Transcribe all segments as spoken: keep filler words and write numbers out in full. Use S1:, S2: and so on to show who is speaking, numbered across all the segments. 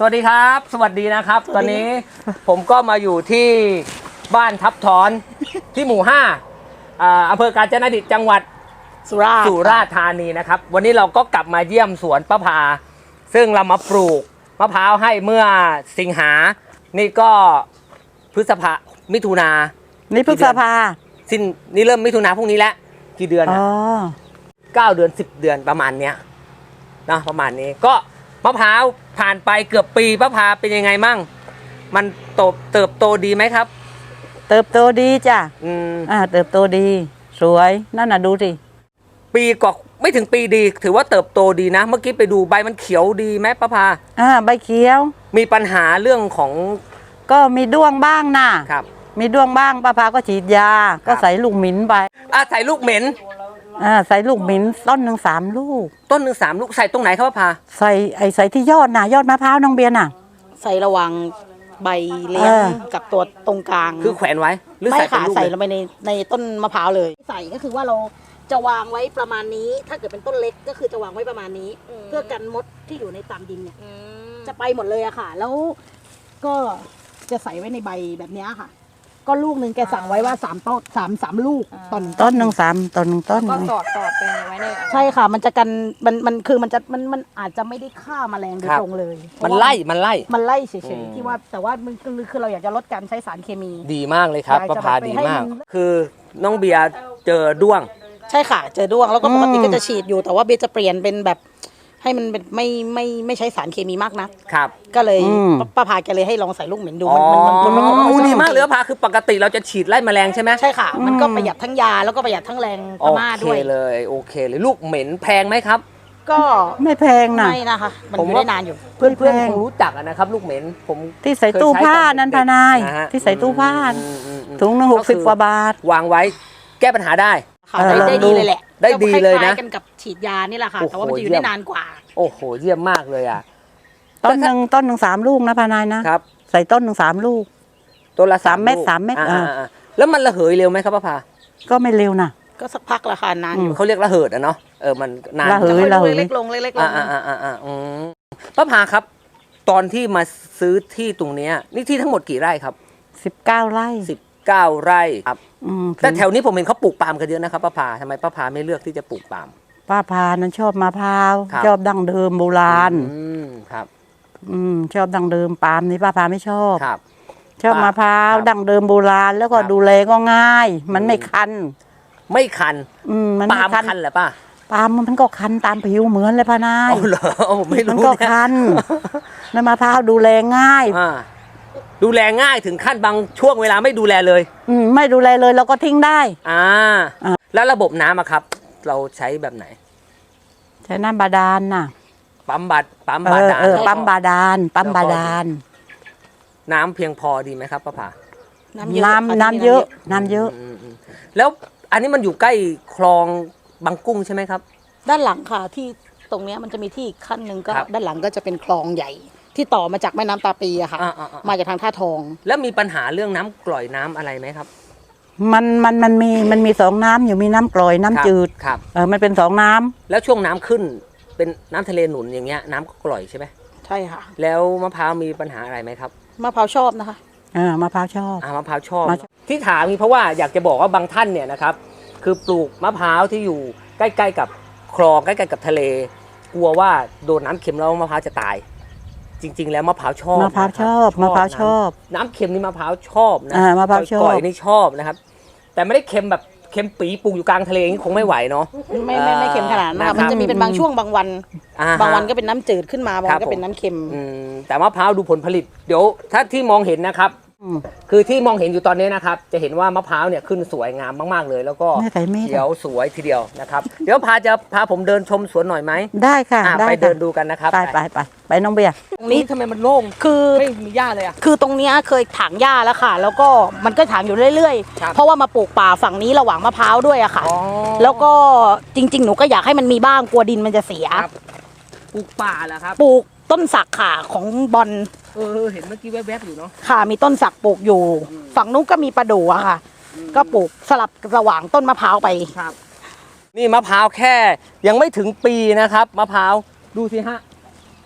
S1: วัสดีครับสวัสดีนะครับตอนนี้ผมก็มาอยู่ที่บ้านทับถอนที่หมู่ห้าอำเภอกาญจนดิตจังหวัด
S2: สุราษฎร์
S1: สุราษฎร์ธานีนะครับวันนี้เราก็กลับมาเยี่ยมสวนป้าพาซึ่งเรามาปลูกมะพร้าวให้เมื่อสิงหานี่ก็พฤษภามิถุนา
S2: นี่พฤษภา
S1: สิ้นนี่เริ่มมิถุนาพรุ่งนี้แล้วกี่เดือนอ๋อเก้าเดือนสิบเดือนประมาณเนี้ยนะประมาณนี้ก็มะพร้าวผ่านไปเกือบปีป้าพาเป็นยังไงมั่งมันโตเติบโตดีไหมครับ
S2: เติบโตดีจ้ะอืมอ่าเติบโตดีสวยนั่นน่ะดูสิ
S1: ปีกว่าไม่ถึงปีดีถือว่าเติบโตดีนะเมื่อกี้ไปดูใบมันเขียวดีไหมป้าพา
S2: อ่าใบเขียว
S1: มีปัญหาเรื่องของ
S2: ก็มีด้วงบ้างนะครับมีด้วงบ้างป้าพาก็ฉีดยาก็ใส่ลูกหมิ่นไป
S1: อ่าใส่ลูกเหม็น
S2: อ่าใส่ลูกหมิ่นต้นหนึ่งสามลูก
S1: ต้นหนึ่งสามลูกใส่ตรงไหนครับป้าพา
S2: ใส่ไอ้ใส่ที่ยอดน่ะยอดมะพร้าวน้องเบียร์น่ะ
S3: ใส่ระหว่างใบเลี้ยงกับตัวตรงกลาง
S1: คือแขวนไว้หรือใส่เป็นลูก
S3: ใส่ลงไปในในต้นมะพร้าวเลยใส่ก็คือว่าเราจะวางไว้ประมาณนี้ถ้าเกิดเป็นต้นเล็กก็คือจะวางไว้ประมาณนี้เพื่อกันมดที่อยู่ในตามดินเนี่ยจะไปหมดเลยอะค่ะแล้วก็จะใส่ไว้ในใบแบบนี้ค่ะก็ลูกหนึ่งแกสั่งไว้ว่าสามต้นสามสามลูกต้น
S2: ต้นหนึ่งสามต้นหนึ่งต้น
S4: ก็สอดสอดไปไว้ใน
S3: ใช่ค่ะมันจะกันมันมันคือมันจะมันมันอาจจะไม่ได้ฆ่าแมลงโดยตรงเลย
S1: มันไล่มันไล่
S3: มันไล่เฉยๆที่ว่าแต่ว่ามันคือคือเราอยากจะลดการใช้สารเคมี
S1: ดีมากเลยครับป้าพาดีมากคือน้องเบียร์เจอด้วง
S3: ใช่ค่ะเจอด้วงแล้วก็ปกติก็จะฉีดอยู่แต่ว่าเบียร์จะเปลี่ยนเป็นแบบให้มันเป็นไม่ไม่ไม่ใช้สารเคมีมากนะครับก็เลยป้าพาแกเลยให้ลองใส่ลูกเหม็นดู
S1: มันมันมันมันดีมากเลยป้าพาคือปกติเราจะฉีดไล่แมลงใช่ไหม
S3: ใช่ค่ะมันก็ประหยัดทั้งยาแล้วก็ประหยัดทั้งแรงพม่าด้วย
S1: โอเคเลยโอเคเลยลูกเหม็นแพงไหมครับ
S3: ก็
S2: ไม่แพงนะ
S3: ไม่นะคะมันอยู่ได้นานอยู่
S1: เพื่อนเพื่อนคงรู้จักนะครับลูกเหม็นผม
S2: ที่ใส่ตู้ผ้านั้นพานายที่ใส่ตู้ผ้าถุงหนึ่งหกสิบกว่าบาท
S1: วางไว้แก้ปัญหาได้
S3: ได้ดีเลยแหละ
S1: ได้ดีเลยนะ
S3: กันกับฉีดยานี่แหละค่ะแต่ว่ามันจะอยู่ได้นานกว่า
S1: โอ้โหเยี่ยมมากเลยอ่ะ
S2: ต้นหนึ่งต้นหนึ่งสามลูกนะพานายนะครับใส่ต้นหนึ่งสามลูก
S1: ต้นละ
S2: สามเม็ดสามเม็ดอ่า
S1: แล้วมันระเหยเร็วไหมครับป้าพา
S2: ก็ไม่เร็วนะ
S3: ก็สักพักละค่ะนานอยู่
S1: เขาเรียกระเหิดอ่ะเนาะเออมันนาน
S2: ระเหยระเหย
S3: เล็กลงเล็กลง
S1: อ่าอ่าอ่าอ่าอืมป้าพาครับตอนที่มาซื้อที่ตรงเนี้ยนี่ที่ทั้งหมดกี่ไร่ครับ
S2: สิบเก้าไร่
S1: สิบเก้าไร่ครับแต่แถวนี้ผมเห็นเขาปลูกปาล์มกันเยอะนะครับป้าพาทำไมป้าพาไม่เลือกที่จะปลูกปาล์ม
S2: ป้าพานั้นชอบมะพร้าวชอบดั้งเดิมโบราณ
S1: อืมครับ
S2: อืมชอบดั้งเดิมปาล์มนี่ป้าพาไม่ชอบ
S1: ครับ
S2: ชอบมะพร้าวดั้งเดิมโบราณแล้วก็ดูแลก็ง่ายมันไม่คัน
S1: ไม่คัน
S2: อืมมัน
S1: ปาล์มคันเหรอป้า
S2: ปาล์มมันก็คันตามผิวเหมือนเลยพานาย
S1: อ๋อเหรอผมไม่รู้
S2: มันก็คันแล้วมะพร้าวดูแลง่าย
S1: ดูแลง่ายถึงขั้นบางช่วงเวลาไม่ดูแลเลย
S2: อืมไม่ดูแลเลยเราก็ทิ้งได้
S1: อ่าแล้วระบบน้ำอะครับเราใช้แบบไหน
S2: ใช้น้ำบาดาลน่ะ
S1: ปั๊มบาดปั๊มบาดาล
S2: เออปั๊มบาดาลปั๊มบาดาล
S1: น้ำเพียงพอดีไหมครับป้าผา
S2: น้ำน้ำน้ำเยอะน้ำเยอะ
S1: แล้วอันนี้มันอยู่ใกล้คลองบางกุ้งใช่ไหมครับ
S3: ด้านหลังค่ะที่ตรงนี้มันจะมีที่ขั้นหนึ่งก็ด้านหลังก็จะเป็นคลองใหญ่ที่ต่อมาจากแม่น้ำตาปีอะค่ะมาจากทางท่าทอง
S1: แล้วมีปัญหาเรื่องน้ำกร่อยน้ำอะไรไหมครับ
S2: มันมันมันมีมันมีสองน้ำอยู่มีน้ำกร่อยน้ำจืด
S1: ครับ
S2: เออมันเป็นสองน้ำ
S1: แล้วช่วงน้ำขึ้นเป็นน้ำทะเลหนุนอย่างเงี้ยน้ำก็กร่อยใช่ไหม
S3: ใช่ค่ะ
S1: แล้วมะพร้าวมีปัญหาอะไรไหมครับ
S3: มะพร้าวชอบนะคะ
S2: อ่ามะพร้าวชอบ
S1: อ่ามะพร้าวชอบที่ถามนี่เพราะว่าอยากจะบอกว่าบางท่านเนี่ยนะครับคือปลูกมะพร้าวที่อยู่ใกล้ๆกับคลองใกล้ๆกับทะเลกลัวว่าโดนน้ำเค็มแล้วมะพร้าวจะตายจริงๆแล้วมะพร้าวชอบ
S2: มะพร้าวชอบมะพร้าวชอบ
S1: น้ำเค็มนี่มะพร้าวชอบนะ
S2: มะพร้าวชอบ
S1: ก่อยนี่ชอบนะครับแต่ไม่ได้เค็มแบบเค็มปีปลูกอยู่กลางทะเลนี่คงไม่ไหวเนาะ
S3: ไม่ไม่ไม่เค็มขนาดนั้นมันจะมีเป็นบางช่วงบางวันบางวันก็เป็นน้ำจืดขึ้นมาบางวันก็เป็นน้ำเค็ม
S1: แต่มะพร้าวดูผลผลิตเดี๋ยวถ้าที่มองเห็นนะครับคือที่มองเห็นอยู่ตอนนี้นะครับจะเห็นว่ามะพร้าวเนี่ยขึ้นสวยงามมากๆเลยแล้วก็เขียวสวยทีเดียวนะครับเดี๋ยวพาจะพาผมเดินชมสวนหน่อยไหม
S2: ได้ค่ะ
S1: ไปเดินดูกันนะครับ
S2: ไปไปไปไปน้องเบียร์
S1: ตรงนี้ทำไมมันโล่ง
S3: คือ
S1: ไม่มีหญ้าเลยอะ
S3: คือตรงนี้เคยถางหญ้าแล้วค่ะแล้วก็มันก็ถางอยู่เรื่อยๆเพราะว่ามาปลูกป่าฝั่งนี้ระหว่างมะพร้าวด้วยอะค่ะแล้วก็จริงๆหนูก็อยากให้มันมีบ้างกลัวดินมันจะเสีย
S1: ปลูกป่าเหรอครับ
S3: ปลูกต้นสักค่ะของบอล
S1: เออเห็นเมื่อกี้แวบๆอยู่เนาะ
S3: ค่ะมีต้นสักปลูกอยู่ฝั่งนู้นก็มีประดู่อะค่ะก็ปลูกสลับระหว่างต้นมะพร้าวไป
S1: ครับนี่มะพร้าวแค่ยังไม่ถึงปีนะครับมะพร้าวดูสิฮะ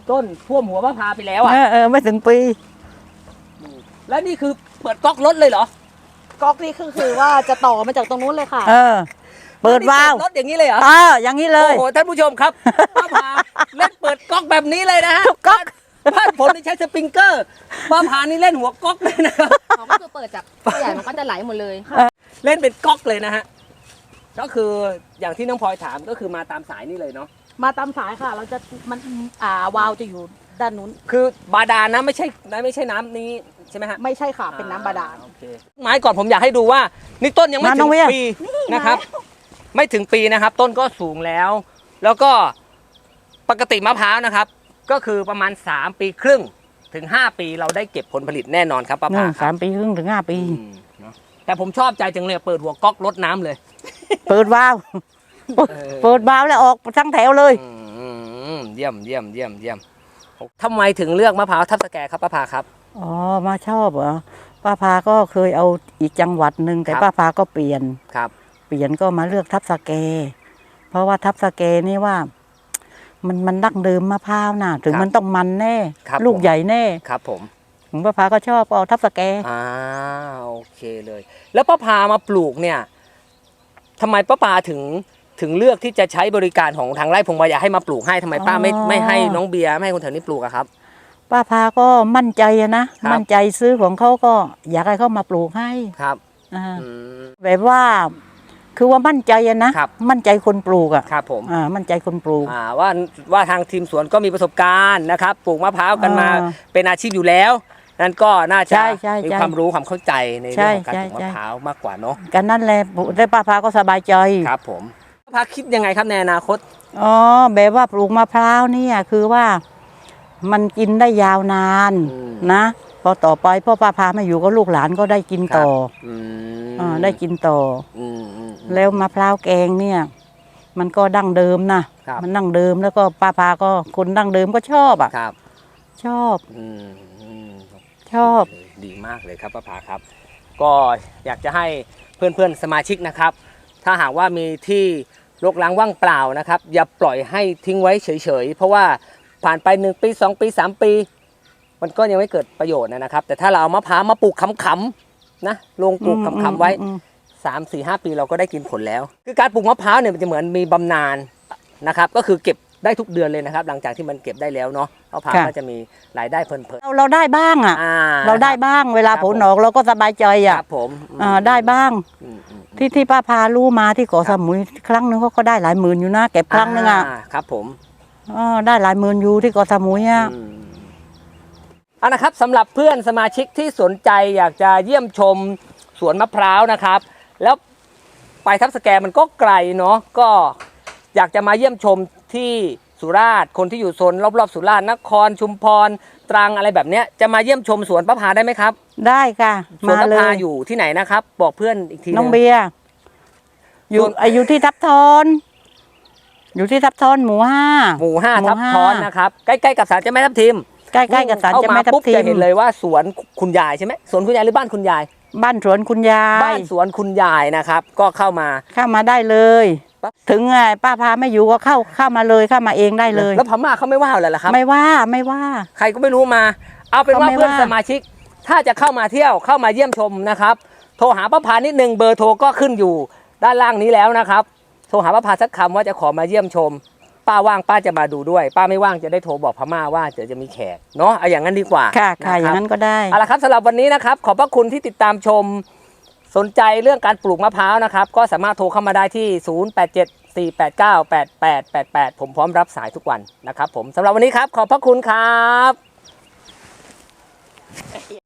S1: ต้นท่วมหัวมะพร้าวไปแล้วอ่ะ
S2: เออเออไม่ถึงปี
S1: แล้วนี่คือเปิดก๊อกรถเลยเหรอ
S3: ก๊อกนี่คือคือว่าจะต่อมาจากตรงนู้นเลยค่ะ
S2: เออ เปิดวาล์ว
S1: รถอย่างนี้เลยเหรอ
S2: เอออย่างนี้เลย
S1: โอ้โหท่านผู้ชมครับมะพร้าวเล่นเปิดก๊อกแบบนี้เลยนะฮะ
S2: ก๊อก
S1: บ้านผมนี่ใช้สปริงเกอร์มะพร้าวนี่เล่นหัวก๊อกเลยนะครับ
S4: อ๋อก็คือเปิดจากผู้ใหญ่มันก็จะไหลหมดเลย
S1: เล่นเป็นก๊อกเลยนะฮะก็คืออย่างที่น้องพลอยถามก็คือมาตามสายนี่เลยเนาะ
S3: มาตามสายค่ะ เราจะมันอ่าวาล์วจะอยู่ด้านนู้น
S1: คือบาดาลนะไม่ใช่ไม่ใช่น้ำนี้ใช่ไหมฮะ
S3: ไม่ใช่ค่ะเป็นน้ำบาดาล
S1: โอเคไม้ก่อนผมอยากให้ดูว่านี่ต้นยังไม่
S2: มาน้
S1: ถึ
S2: อง
S1: ง
S2: เวีย
S1: ปีนะครับ ไม่ถึงปีนะครับ ต้นก็สูงแล้ว แล้วก็ปกติมะพร้าวนะครับ ก็คือประมาณสามปีครึ่งถึงห้าปีเราได้เก็บผลผลิตแน่นอนครับป้า
S2: นู่
S1: ผาน ค
S2: สา
S1: รับ
S2: มปีครึ่งถึงห้าปี
S1: อืมเนอะแต่ผมชอบใจจังเลยเปิดหัวก๊อกรดน้ำเลย
S2: เปิดวาล์ว
S1: เออ
S2: เปิดวาล์วแล้วออกทั้งแถวเลย
S1: อืมเยี่ยมเยี่ยมเยี่ยมเยี่ยมทำไมถึงเลือกมะพร้าวทับสแกครับป้าผาครับ
S2: อ๋อมาชอบเหรอป้าพาก็เคยเอาอีกจังหวัดหนึ่งแต่
S1: ครับ
S2: ป้าพาก็เปลี่ยน
S1: ครับ
S2: เปลี่ยนก็มาเลือกทับสแก เพราะว่าทับสแกนี่ว่า มันมันดั้งเดิมมะพร้าวน่ะ ถึงมันต้องมันแน่ ลูกใหญ่แน่
S1: ครับผม
S2: ผมป้าพาก็ชอบเอาทับสแก
S1: อ่าโอเคเลย แล้วป้าพามาปลูกเนี่ยทำไมป้าพาถึงถึงเลือกที่จะใช้บริการของทางไร่พงวายาให้มาปลูกให้ทำไมป้าไม่
S2: อ๋อ
S1: ไม่ให้น้องเบียร์ไม่ให้คนแถวนี้ปลูกอะครับ
S2: ป้าพาก็มั่นใจอะนะครับ มั่นใจซื้อของเขาก็อยากให้เขามาปลูกให้
S1: ครับ
S2: อ่า
S1: อืม
S2: แบบว่า คือว่ามั่นใจอะนะครับ มั่นใจคนปลูกอะ
S1: ครับผม
S2: อ่ามั่นใจคนปลูก
S1: อ่าว่าว่าทางทีมสวนก็มีประสบการณ์นะครับปลูกมะพร้าวกันมา
S2: อ่า
S1: เป็นอาชีพอยู่แล้วนั่นก็น่าจะ
S2: ใช่ใช่
S1: มี
S2: ใช่
S1: ความรู้ความเข้าใจใน
S2: ใช่
S1: เรื่องของการ
S2: ใช่
S1: ปลูกมะ
S2: ใช่
S1: พร้าวมากกว่าเนาะ
S2: กันนั่นแหละได้ป้าพาก็สบายใจ
S1: ครับผมป้าพาคิดยังไงครับในอนาคต
S2: อ๋อแบบว่าปลูกมะพร้าวเนี่ยคือว่ามันกินได้ยาวนาน
S1: อืม
S2: นะ พอต่อไปพ่อป้าพาไม่อยู่ก็ลูกหลานก็ได้กินต่อ
S1: อืม
S2: อ่าได้กินต่อ
S1: อืมอืมอืม
S2: แล้วมะพร้าวแกงเนี่ย มันก็ดั้งเดิมนะครับ มันดั้งเดิมแล้วก็ป้าพาก็คนดั้งเดิมก็ชอบอ่ะ
S1: ครับ
S2: ชอบ
S1: อืมอืม
S2: ชอบ
S1: ดีมากเลยครับป้าผาครับ ก็อยากจะให้เพื่อนๆสมาชิกนะครับ ถ้าหากว่ามีที่รกร้างว่างเปล่านะครับ อย่าปล่อยให้ทิ้งไว้เฉยๆ เพราะว่าผ่านไปหนึ่งปีสองปีสามปี มันก็ยังไม่เกิดประโยชน์นะครับ แต่ถ้าเราเอามะพร้าวมาปลูกขำๆนะลงปลูกขำๆไว้
S2: อืม
S1: สามสี่ห้าปีเราก็ได้กินผลแล้ว คือการปลูกมะพร้าวเนี่ยมันจะเหมือนมีบำนาญนะครับ ก็คือเก็บได้ทุกเดือนเลยนะครับ หลังจากที่มันเก็บได้แล้วเนาะมะพร้าวก็จะมีรายได้เพลิน
S2: เราเราได้บ้างอ่ะ
S1: ๆอ่า
S2: เราได้บ้าง เวลา
S1: ครับ
S2: ผลออกเราก็สบายใจ
S1: ค
S2: อ่ะ
S1: รับผม
S2: อ่าได้บ้าง
S1: อืมอืม
S2: ที่ที่ป้าพารู้มาที่เกาะสมุยครั้งหนึงเขาก็ได้หลายหมื่นอยู่นะเก็บครั้งหนึงอ่ะ
S1: าครับผม
S2: อ๋อได้หลายหมื่นอยู่ที่เกาะสมุยอ่ะ
S1: อืมเอานะครับสำหรับเพื่อนสมาชิกที่สนใจอยากจะเยี่ยมชมสวนมะพร้าวนะครับ แล้วไปทับสแกมันก็ไกลเนาะก็อยากจะมาเยี่ยมชมที่สุราษฎร์คนที่อยู่โซนรอบๆสุราษฎร์นครชุมพรตรังอะไรแบบเนี้ยจะมาเยี่ยมชมสวนป้าพาได้ไหมครับ
S2: ได้ค่ะ
S1: สวน
S2: มา
S1: ป้า
S2: เล
S1: พาย อยู่ที่ไหนนะครับ บอกเพื่อนอีกทีห
S2: น้อง
S1: ง
S2: เบียร์อยู่
S1: ส่วน
S2: อายุที่ทับทอน อยู่ที่ทับทอนหมู่ห้า
S1: หมู่ห้า
S2: หมู่
S1: ทับ
S2: ห้า
S1: ท้อนนะครับใกล้ๆกับศาลเจ้าแม่ทับทิม
S2: ใกล้ๆกับศาลเจ้าแม่ทับ
S1: เข้าปุ๊
S2: ทิ
S1: จะ
S2: ม
S1: เห็นเลยว่าสวนคุณยายใช่ไหมสวนคุณยายหรือบ้านคุณยาย
S2: บ้านสวนคุณยาย
S1: บ้านสวนคุณยายนะครับ ก็เข้ามา
S2: เข้ามาได้เลย
S1: ปั๊บ
S2: ถึงไงป้าพาไม่อยู่ก็เข้าเข้ามาเลยเข้ามาเองได้เลย
S1: แล้วพม่าเขาไม่ว่าเลยเหรอครับ
S2: ไม่ว่าไม่ว่า
S1: ใครก็ไม่รู้มา เอาเป็นว่า
S2: เขาไม่
S1: เพื่อน
S2: ว่า
S1: สมาชิก ถ้าจะเข้ามาเที่ยวเข้ามาเยี่ยมชมนะครับ โทรหาป้าพานิดนึงเบอร์โทรก็ขึ้นอยู่ด้านล่างนี้แล้วนะครับ โทรหาป้าพาสักคำว่าจะขอมาเยี่ยมชม ป้าว่างป้าจะมาดูด้วย ป้าไม่ว่างจะได้โทรบอกพม่าว่าเดี๋ยวจะมีแขกเนาะเอาอย่างนั้นดีกว่า
S2: ค่ะค่ะ
S1: น
S2: อย่างนั้นก็ได้
S1: เอาละครับสำหรับวันนี้นะครับ ขอบพระคุณที่ติดตามชม สนใจเรื่องการปลูกมะพร้าวนะครับ ก็สามารถโทรเข้ามาได้ที่ ศูนย์ แปด เจ็ด สี่ แปด เก้า แปด แปด แปด แปด ผมพร้อมรับสายทุกวันนะครับผมสำหรับวันนี้ครับ ขอบพระคุณครับ